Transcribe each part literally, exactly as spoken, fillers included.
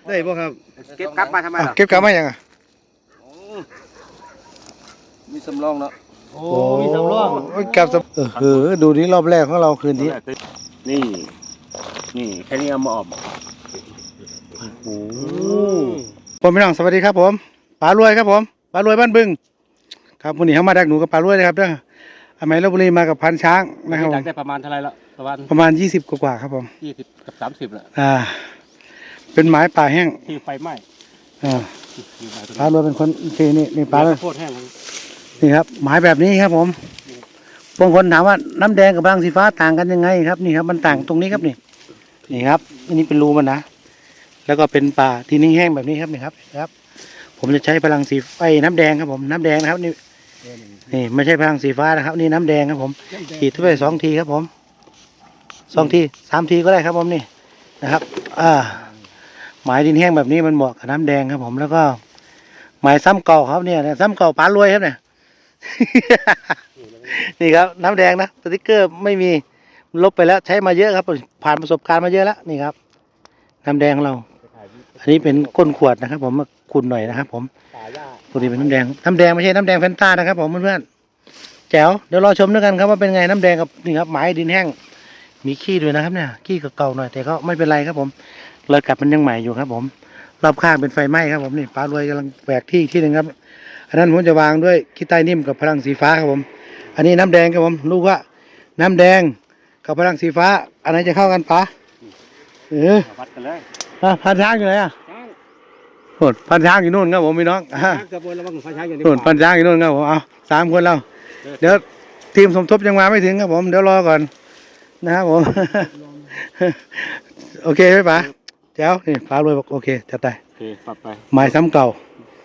ได้ป่ะครับเก็บกลับมาทำไมล่ะเก็บกลับมายังอ่ะมีสำรองเนาะโอ้มีสำรองกลับเออคือดูนี้รอบแรกของเราคืนนี้นี่นี่แค่นี้เอามาออกโอ้ผมพี่น้องสวัสดีครับผมปลารวยครับผมปลารวยบ้านบึงครับวันนี้เขามาดักหนูกับปลารวยเลยครับเด้ออเมริกาบุรีมากับพันช้างนะครับดักได้ประมาณเท่าไรละประมาณประมาณยี่สิบกว่าครับผมยี่สิบกับสามสิบแหละอ่าเป็นไม้ป่าแห้งที่ไฟไหม้อ่าปลารวยเป็นคนที่นี่นี่ปลาเลยโคตรแห้งนี่ครับไม้แบบนี้ครับผมบางคนถามว่าน้ำแดงกับรังสีฟ้าต่างกันยังไงครับนี่ครับมันต่างตรงนี้ครับนี่นี่ครับอันนี้เป็นรูมันนะแล้วก็เป็นป่าที่นิ่งแห้งแบบนี้ครับนี่ครับครับผมจะใช้พลังสีไฟน้ำแดงครับผมน้ำแดงนะครับนี่นี่ไม่ใช่พลังสีฟ้านะครับนี่น้ำแดงครับผมขีดไปสองทีครับผมสองทีสามทีก็ได้ครับผมนี่นะครับอ่าหมายดินแห้งแบบนี้มันเหมาะกับน้ำแดงครับผมแล้วก็หมายซ้ำเก่าครับเนี่ยซ้ำเก่าปลารวยครับเนี่ยนี่ครับน้ำแดงนะสติ๊กเกอร์ไม่มีลบไปแล้วใช้มาเยอะครับผ่านประสบการณ์มาเยอะแล้วนี่ครับน้ำแดงของเราอันนี้เป็นก้นขวดนะครับผมมาขุ่นหน่อยนะครับผมปกติเป็นน้ำแดงน้ำแดงไม่ใช่น้ำแดงแฟนตานะครับผมเพื่อนๆแจ๋วเดี๋ยวรอชมด้วยกันครับว่าเป็นไงน้ำแดงกับนี่ครับหมายดินแห้งมีขี้ด้วยนะครับเนี่ยขี้เก่าๆหน่อยแต่ก็ไม่เป็นไรครับผมเลยกลับมันยังใหม่อยู่ครับผมรอบข้างเป็นไฟไหม้ครับผมนี่ปลารวยกำลังแหวกที่ที่หนึ่งครับอันนั้นผมจะวางด้วยขี้ใต้นิ่มกับพลังสีฟ้าครับผมอันนี้น้ำแดงครับผมลูกว่าน้ำแดงกับพลังสีฟ้าอันไหนจะเข้ากันปะเออวัดกันเลยอ่ะพันช้างอยู่ไหนอ่ะโหดพันช้างอยู่นู่นครับผมพี่น้องอ่ะโหดพันช้างอยู่นู่นครับผมเอาสามคนเราเดี๋ยวทีมสมทบยังมาไม่ถึงครับผมเดี๋ยวรอก่อนนะครับผมโอเคไหมป๋าเจ้านี่ป๋ารวยบอกโอเคจัดไปโอเคปรับไปไม้ซ้ำเก่า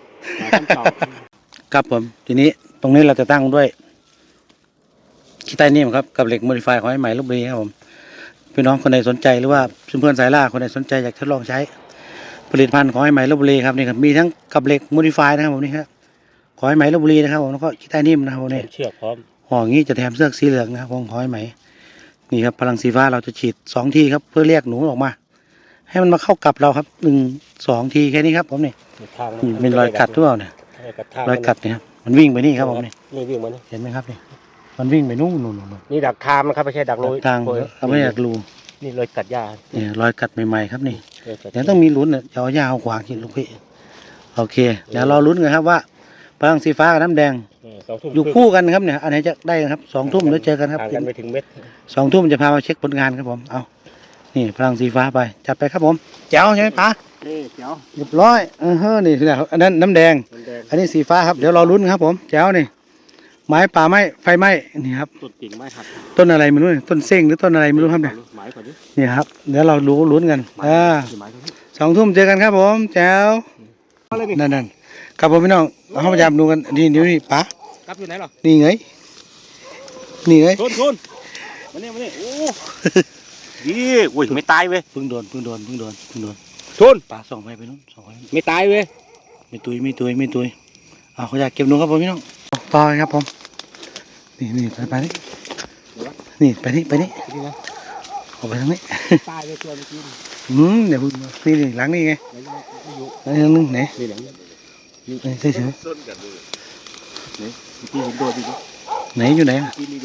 ครับผมทีนี้ตรงนี้เราจะตั้งด้วยขี้ใต้นิ่มครับกับเหล็กโมดิฟายของไอ้ใหม่ลพบุรีครับผมพี่น้องคนใดสนใจหรือว่าเพื่อนๆสายล่าคนใดสนใจอยากทดลองใช้ผลิตภัณฑ์ของไอ้ใหม่ลพบุรีครับนี่ครับมีทั้งกับเหล็กโมดิฟายนะครับผมนี่ครับของไอ้ใหม่ลพบุรีนะครับผมแล้วก็ขี้ใต้นิ่มนะครับผมนี่เชือกพร้อมห่องี้จะแถมเสื้อสีเหลืองนะครับของไอ้ใหม่นี่ครับพลังสีฟ้าเราจะฉีดสองทีครับเพื่อเรียกหนูออกมาให้มันมาเข้ากับเราครับหนึ่งสองทีแค่นี้ครับผมนี่เป็นรอยกัดหรือเปล่าเนี่ยรอยกัดเนี่ยครับมันวิ่งไปนี่ครับผมนี่นี่วิ่งมาเห็นไหมครับนี่มันวิ่งไปนู่นนู่นนู่นนี่ดักทามนะครับไม่ใช่ดักรูทางเราไม่ดักรูนี่รอยกัดหญ้าเนี่ยรอยกัดใหม่ๆครับนี่เดี๋ยวต้องมีลุ้นเนี่ยเอาหญ้าเอาขวางกินลูกพี่โอเคเดี๋ยวรอลุ้นกันครับว่าพลังสีฟ้ากับน้ำแดงอยู่คู่กันครับเนี่ยอันไหนจะได้ครับสองทุ่มแล้วเจอกันครับกันไปถึงเม็ดสองทุ่มจะพามาเช็คผลงานครับผมเอานี่พลังสีฟ้าไปจัดไปครับผมแจ๋วใช่ไหมป๋าแจ๋วเรียบร้อยเออเฮ้อนี่แหละอันนั้นน้ำแดงอันนี้สีฟ้าครับเดี๋ยวรอลุ้นครับผมแจ๋วนี่ไม้ป่าไม้ไฟไหม้นี่ครับต้นกิ่งไม้หักต้นอะไรไม่รู้ต้นเส้งหรือต้นอะไรไม่รู้ครับเนี่ยนี่ครับเดี๋ยวเรารู้ลุ้นกันอ่าสองทุ่มเจอกันครับผมแจ๋วนั่นนั่นครับผมพี่น้องเราพยายามดูกันนี่นิ้วนี่ป๋ากับอยู่ไหนหรอนี่ไงนี่ไงทุนทุนมาเนี่ยมาเนี่ยโอ้ยี่อุ้ยไม่ตายเว้ยพึ่งโดนพึ่งโดนพึ่งโดนพึ่งโดนทุนป๋าส่องไปไปนู้นส่องไปไม่ตายเว้ยไม่ตุยไม่ตุยไม่ตุยเอาเขาอยากเก็บหนูครับผมพี่น้องต่อครับผมนี่นี่ไปไปนี่นี่ไปนี่ไปนี่ออกไปทางนี้ตายเลยตัวเมื่อกี้อืมเดี๋ยวพึ่งนี่นี่หลังนี่ไงหลังนึงไหนนี่หลังนี่ใช่ใช่ไหมนี่ที่ผมโดนดิไหนอยู่ไหน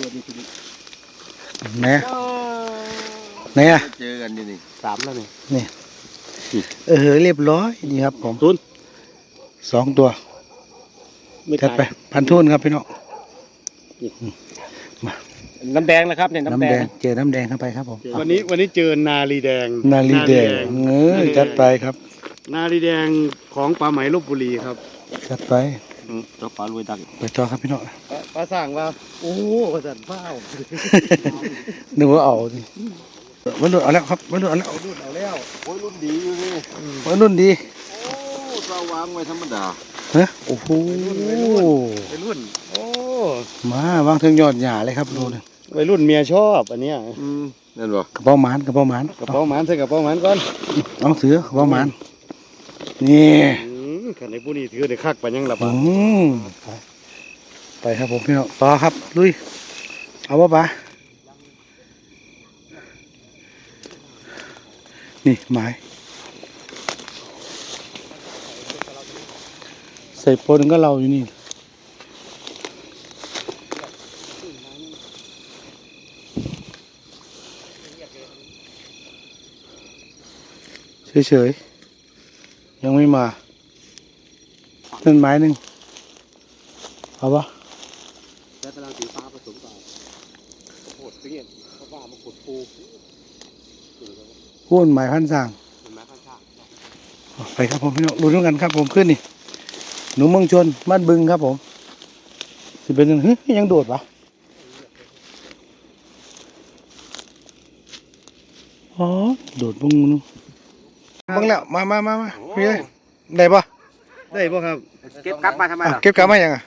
ไหนไหนอ่ะเจอกันนี่สามแล้วนี่นี่เออเรียบร้อยนี่ครับผมทุนสองตัวจัดไปพันทุนครับพี่น้องน้ำแดงนะครับเนี่ยน้ำแดงเจอน้ำแดงเข้าไปครับผมวันนี้วันนี้เจอนาลีแดงนาลีแดงเออจัดไปครับนาลีแดงของปลาไหมลพบุรีครับจัดไปตัวปลารวยดักไปจอครับพี่น้องปลาสั่งว่าโอ้ปลาสั่งเฝ้านึกว่าเอาดิวันรุ่นเอาแล้วครับวันรุ่นเอาแล้วรุ่นเอาแล้วโอ้ยรุ่นดีอยู่นี่วันรุ่นดีโอ้สว่างไว้ธรรมดาเฮ้ยโอ้โหเป็นรุ่นโอ้มาวางถึงยอดหญ้าเลยครับดูเลยวัยรุ่นเมียชอบอันเนี้ยนั่นบ่กระเป๋าหมานกระเป๋าหมานกระเป๋าหมานใส่กระเป๋าหมานก่อนเอาเสือกระเป๋าหมานนี่ขันในผู้นี้ถือได้คักไปยังหลับอ่ะไปครับผมพี่น้องต่อครับลุยเอาวะปะนี่ไม้ใส่ปนก็เราอยู่นี่เฉยๆยังไม่มาต้นไม้หนึ่งเอาปะแล้วตารางสีฟ้าผสมกับโคตรเปรี้ยนเพราะว่ามันขุดปูพูนไม้พันสร้างเห็นไหมข้างข้างไปครับผมพี่น้องดูด้วยกันครับผมขึ้นนี่หนูเมืองชนบ้านบึงครับผมสิเป็นยังเฮ้ยยังโดดวะอ๋อโดดบึงนู้นบึงแล้วมามามามาพี่เลยได้ปะได้ป่ะครับเก็บกลับมาทำไมอ่ะล่ะเก็บกลับมายังอ่ะ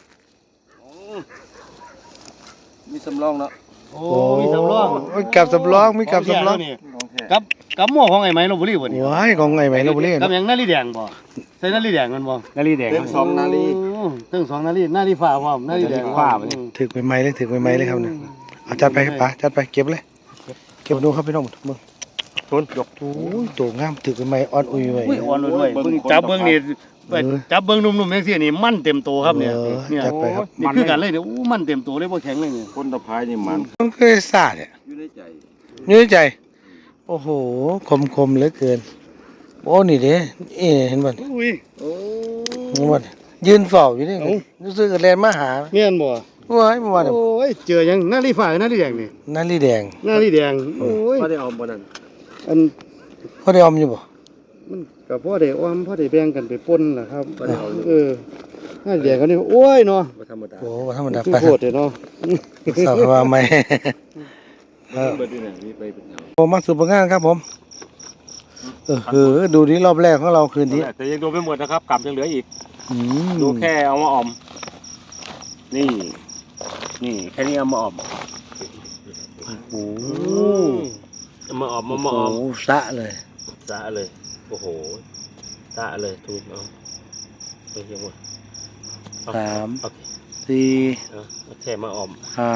มีสำรองเนาะโอ้มีสำรองโอ้ยกับสำรองมีกับสำรองของแท้กับกับหม้อของไอ้ไม้ลบบุรีบ่นี่ว้ายของไงไหมเราบุรีกับหยังนาฬิแดงบ่ใส่นาฬิแดงมันบ่นาฬิแดงเต็มสองนาฬิตึ้งสองนาฬินาฬิฟ้าพร้อมนาฬิแดงฟ้าบ่นี่ถือใหม่ๆเลยถือใหม่ๆเลยครับเนี่ยเอาจัดไปครับป๋าจัดไปเก็บเลยเก็บดูครับพี่น้องมึงทุนยกโอ้ยตัวงามถือใหม่ๆอ่อนอุ้ยไว้อุ้ยอ่อนด้วยเบิ่งจับเบิ่งนี่จับเบิ่งนุ่มๆจังซี่นี่มันเต็มโตครับเนี่ยเออเนี่ยจัดไปครับนี่คือกันเลยเนี่ยอู้มันเต็มโตเลยบ่แข็งเลยเนี่ยคนตะพายนี่มันมันเคยซาเนี่ยอยู่ในใจยืดใจ โอ้โห คมคมๆเหลือเกิน โอ้ นี่เด้เอ๊ะเห็นบ่อุ้ยโอ้เห็นบ่ยืนเฝ้าอยู่นี่รู้สึกแลนมาหาแม่นบ่ว้ายเมื่อวานโอ้ยเจอยังนาฬิฟ้านาฬิแดงนี่นาลีแดงนาฬิแดงโอ้ยบ่ได้เอาบ่นั่นอันพ่อได้ออมอยู่บ่มันก็พ่อได้อ้อมพ่อได้แบ่งกันไปป่นล่ะครับเออนาฬิแดงเขานี่โอ้ยเนาะบ่ธรรมดาโอ้บ่ธรรมดาคือไปโคตรเนาะสาวว่าไม่เออเบิดนี่น่ะมีไปเป็นแถวผมมาสู่ผลงานครับผม เออคือดูนี้รอบแรกของเราคืนนี้แต่ยังดูไม่หมดนะครับกลับยังเหลืออีกอืมดูแค่เอามาออม นี่ นี่แค่นี้เอามาออมโอ้โหเอามาออมโอ้มามาออมโหสะเลยสะเลย โอ้โหสะเลยทุนเอาไปยังหมดเอสามโอเคสี่เอาเอาแค่มาออมห้า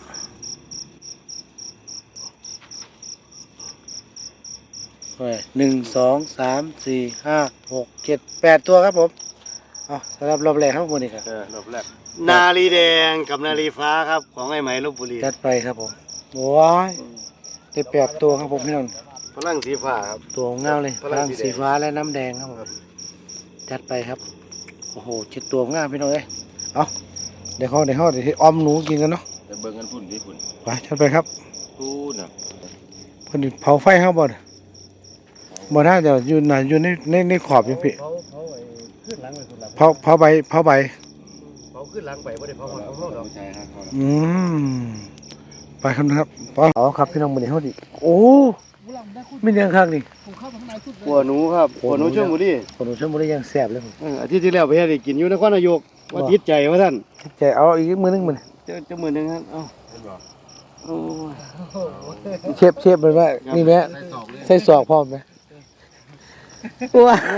เฮ้ยหนึ่งสองสามสี่ห้าหกเจ็ดแปดตัวครับผมเอาสำหรับรอบแรกครับผมนี่ครับเออรอบแรกนาลีแดงกับนาลีฟ้าครับ ของไอ้ไหมลพบุรีจัดไปครับผมว้ายได้แปดตัวครับผมพี่น้องพลังสีฟ้าครับตัวเงาเลยพพลัลังงสีสีแดงฟ้าและน้ำแดงครับผมจัดไปครับโอ้โหเจ็ดตัวงามพี่น้องเอ้ยเอาเดี๋ยวเขาเดี๋ยวเขาเดี๋ยวให้ออมหนูกินกันเนาะแต่เบิ่งกันพุ่นที่พุ่นไปจัดไปครับพูดน่ะเพิ่นเผาไฟเขาบ่น่ะบ่น่าจะอยู่น่ะอยู่ในในในขอบอยู่พี่เผาเผาไอ้ขึ้นหลังไปคนละเผาเผาใบเผาใบเผาขึ้นหลังไปไม่ได้เผาของเขาดอกผู้ชายฮะเขาอืมไปครับนะครับไปเอาครับพี่น้องมื้อนี้เฮาดิโอ้มีเรื่องข้างนี่หัวหนูครับหัวหนูช่วงบุรีคนหนูชลบุรียังแซ่บเลยผมเอออาทิตย์ที่แล้วไปให้ได้กินอยู่นครนายกว่าติดใจว่าท่านใจเอาอีกมื้อนึงมื้อนี้เจ้าเจ้ามือหนึงครับเอ้าโอ้ยเชฟเชฟมันว่านี่แม่ใส่ศอกพร้อมไหมว้า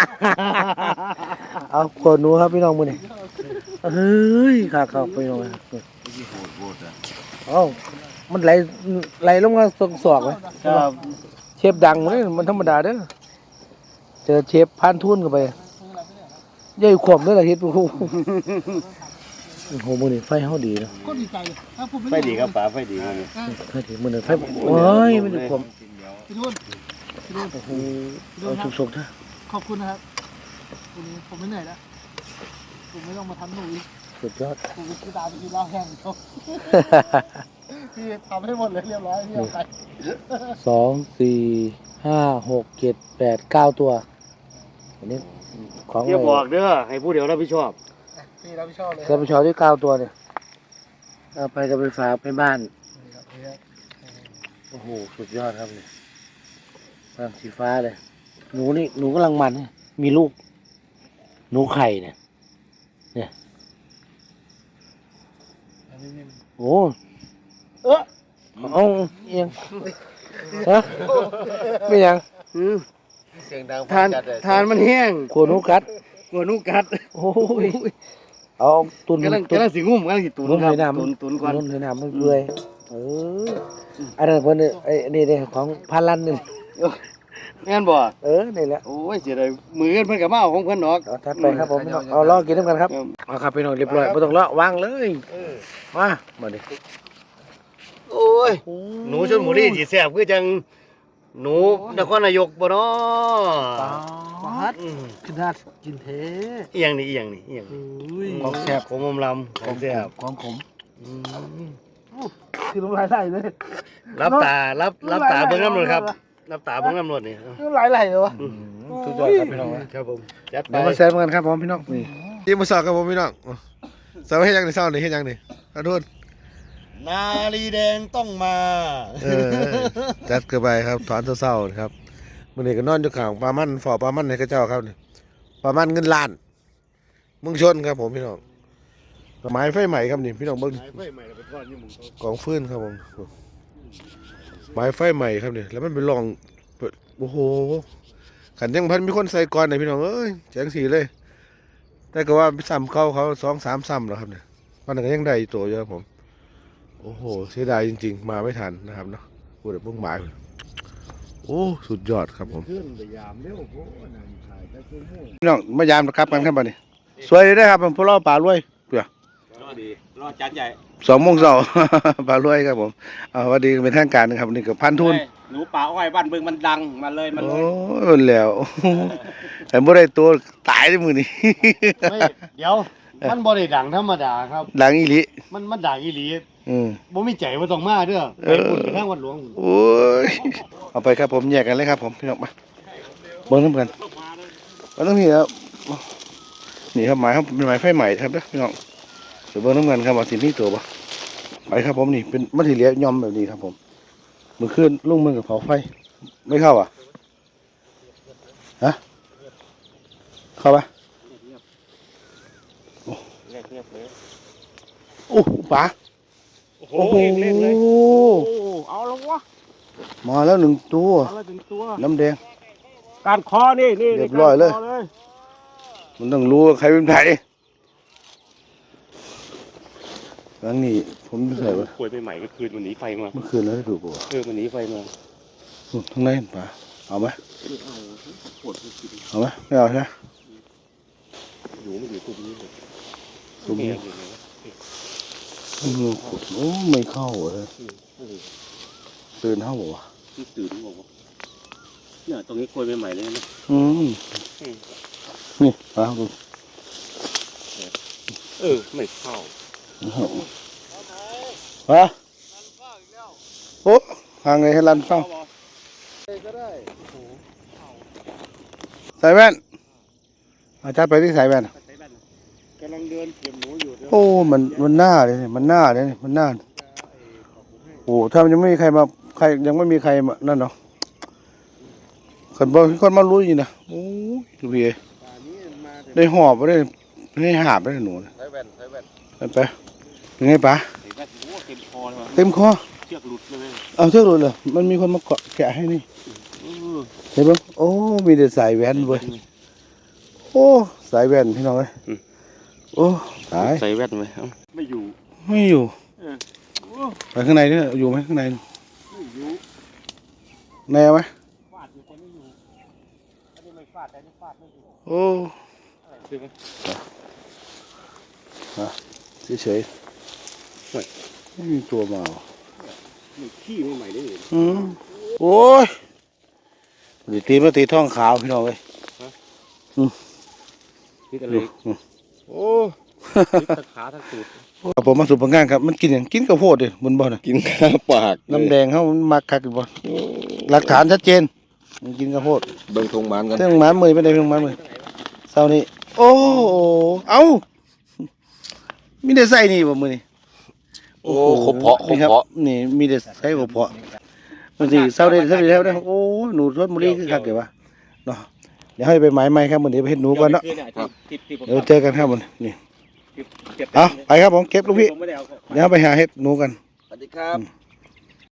เอาคนหนูครับพี่น้องมื้อนี้เฮ้ยขาเข้าพี่น้องครับที่โหดโหดอ่ะเอ้ามันไหลไหลลงมาตรงศอกไหมครับเชฟดังเลยมันธรรมดาเด้อเจอเชฟพานทุนเข้าไปใหญ่ขวบด้วยล่ะเฮ็ดโอ้โหโอ้โหมื้อนี้ไฟเฮาดีเนาะก็ดีใจเลยถ้าผมไฟดีครับป๋าไฟดีมื้อนี้ไฟดีมื้อนี้ไฟโอ้ยมันขวบพี่นุ่นพี่นุ่นโอ้โหเอาสุกๆเถอะขอบคุณนะครับวันนี้ผมไม่เหนื่อยแล้วผมไม่ต้องมาทำหนูอีกสุดยอดผมไปกินตาไปกินเหล้าแห้งจบพี่ทำให้หมดเลยเรียบร้อยพี่เอาไปสองสี่ห้าหกเจ็ดแปดเก้าตัวอันนี้ของเดี๋ยวบอกเด้อให้ผู้เดียวรับผิดชอบพี่รับผิดชอบเลยเสื้อผู้ชายที่เก้าตัวเนี่ยเอาไปกับไปฝากไปบ้านโอ้โหสุดยอดครับเนี่ยฟ้าสีฟ้าเลยหนูนี่หนูกำลังมันเนี่ยมีลูกหนูไข่เนี่ยเนี่ยโอ้เออเอาเอียงฮะไม่ยังอืมเสียงดังทานทานมันแห้งขวหนูกัดกลัวหนูกัดโอ้ยเอาตุนกำลังตุนกำลังสิงุ่มกำลังสิตุนตุนครัเลบยน้ำตุนตุนก่อนตุนเลยน้ำมันเปื่อยเอออันนั้นเพิ่นเนี่ยไอ้นี่เนี่ยของพาลันนี่แม่นบ่เออนี่แหละโอ้ยเสียดายมือเพิ่นก็มาเอาของเพิ่นดอกเอาทัดไปครับผมพี่น้องเอาลองกินน้ำกันครับเอาครับพี่น้องเรียบร้อยไม่ต้องเลาะวางเลยมามาดิโอ้ยหนูชลบุรีสิแซ่บคือจังหนูนครนายกบ่เนาะปาดขนาดกินเทอีหยังนี่อีหยังนี่อีหยังนี่ของแซ่บของอมลำของแซ่บของขมอืมคือน้ำลายไหลเลยรับตารับรับตาเบิ่งน้ำรถครับรับตาเบิ่งน้ำรถนี่น้ำลายไหลเลยวะสุดยอดครับพี่น้องครับผมจัดไปเดี๋ยวมาแซ่บกันครับผมพี่น้องนี่ที่มาสอบกับผมพี่น้องสอบให้ยังในเศร้านี่ให้ยังนี่ขอโทษนาลีแดงต้องมาเออจัดกันไปครับถอนเศร้าๆนะครับมื่อนี้ก็นอนอยู่ข้างปลามันฝ่อปลามันให้กระเจ้าครับนี่ปลามันเงินล้านเมึงชนครับผมพี่น้องไม้ไฟใหม่ครับนี่พี่น้องเบิ้งไฟใหม่ไปทอดนี่มึงกองฟืนครับผมไม้ไฟใหม่ครับนี่แล้วมันเป็นรองเปิดโอ้โหขันยังพันมีคนใส่ก่อนนะพี่น้องเอ้ยแจ้งสีเลย แต่ก็ว่าซ้ำเข้าเขาสองสามซ้ำแล้วครับเนี่ยมันก็ยังได้อีกตัวเยอะครับผมโอ้โหเสียดายจริงๆมาไม่ทันนะครับเนาะพูดแต่พวกหมายโอ้สุดยอดครับผมขึ้นไปยามเร็วโอ้นั่นถ่ายได้ชั่วโมงพี่น้องมายามนะครับกันครับบัดนี้สวยเลยนะครับผมพวกเราป่ารวยเปล่ารอดีรอจานใหญ่สองโมงเช้า ป่ารวยครับผมเอาวันดีเป็นทางการนะครับนี่กับพันทุนหนูป่าอ้อยบ้านเบิ่งมันดังมาเลยมันโอ้ยแล้ว แต่บ่ได้ตัวตายในมือนี่ไม่เดี๋ยวมันบ่ได้ดังธรรมดาครับดังอีหลีมันมันดังอีหลีอืมบ่มีใจว่าต้องมาเด้อเอไปอพุ่นไปทางวัดหลวงโอ้ยเอาไปครับผมแยกกันเลยครับผมพี่น้องมาเบิ่งน้ำกันมันต้องนี่ครับนี่ครับหมายครับเป็นหมายไฟใหม่ครับเด้อพี่น้องเดี๋ยวเบิ่งน้ำกันครับว่าสิมีตัวบ่ไปครับผมนี่เป็นมัธยเหลียย่อมแบบนี้ครับผมมือขึ้นลุงมือกับเผาไฟไม่เข้าอ่ะฮะเข้าปะเงียบๆเลยโอ้ปลาโอ้โหโอ้โหเล่นเลยโอ้เอาแล้ววะมาแล้วหนึ่งตัวเอาแล้วถึงตัวน้ำแดงการคอนี่นี่เรียบร้อยเลยการคอมันต้องรู้ว่าใครเป็นใครหลังนี้ผมใส่ว่าป่วยไปใหม่ก็คืนวันนี้ไฟมาเมื่อคืนแล้วได้ดูป่ะเออวันนี้ไฟมานู่นข้างในเห็นปลาเอาไหมเอาปวดไม่กินเอาไหมไม่เอาใช่ไหมอยู่ไม่อยู่ตรงนี้เลยตรงนี้แกอยู่เลยวะอืมขุดโอ้ไม่เข้าเลยโอ้โหตื่นเข้าบ่วะนี่ตื่นบอกว่าเนี่ยตรงนี้โคยไปใหม่เลยนะอืมนี่ปลาดูเออไม่เข้าปลาโอ้ห่างไงให้ลันเฝ้าก็ได้ใส่แว่นอาจารย์ไปที่ใส่แว่นกำลังเดินเก็บหนูอยู่เดี๋ยวโอ้ มัน มันหน้าเลยนี่มันหน้าเลยนี่มันหน้า โอ้ ถ้ามันยังไม่มีใครมา ใคร ยังไม่มีใครมา นั่นเนาะคนบอกคนมารู้อยู่นะโอ้ยดูพี่เอป่านี้มาแต่ได้หอบไปได้ได้หาบไปได้หนูนะใช้แว่นใช้แว่นไปไปเป็นไงปะเห็นไหมโอ้เต็มคอเลยว่ะเต็มคอเชือกหลุดเลยเอาเชือกหลุดเลยมันมีคนมาเกาะแกะให้นี่เออเห็นปะโอ้ มีแต่สายแว่นเว้ย โอ้ สายแว่นพี่น้องเอ้ยโอ้ ตายใส่แว่นไว้เอ้าไม่อยู่ไม่อยู่เออโอ้ไปข้างในเนี่ยอยู่ไหมข้างในไม่อยู่ในเอาไหมฟาดอยู่แต่ไม่อยู่อันนี้ไม่ฟาดแต่อันนี่ฟาดไม่อยู่โอ้อะไรคือไหมเฉยๆไม่มีตัวมาว่ะมันขี้ไม่ใหม่ได้เลยอืมโอ้ยตีตีมาตีท้องขาวพี่น้องเอ้ยนี่กันเลยอืมโอ้ยทั้งขาทั้งตูดครับผมมาสู่ผลงานครับมันกินอย่างกินข้าวโพดดิบนบ่อนะกินข้าวปากน้ำแดงเขามันมักคักอยู่บ่หลักฐานชัดเจนมันกินข้าวโพดเบิ่งทงหมานกันเรื่องหมาเมยเป็นไงเรื่องหมาเมยเศร้านี้โอ้เอ้ามีแต่ใส่นี่บ่มือนี่โอ้ครบเพาะครบนี่ครับเพาะนี่มีแต่ใส่กระเพาะมันสิเศร้าได้เศร้าได้แล้วนะโอ้หนูรสมุรีคือคักเดี๋ยววะเนาะเดี๋ยวให้ไปหมายใหม่ครับมื้อนี้ไปเฮ็ดหนูก่อนเนาะที่ที่ผมเดี๋ยวเจอกันครับมื้อนี้นี่เก็บเอาไปครับผมเก็บลูกพี่ผมไม่ได้เอาเดี๋ยวไปหาเฮ็ดหนูกันสวัสดีครับ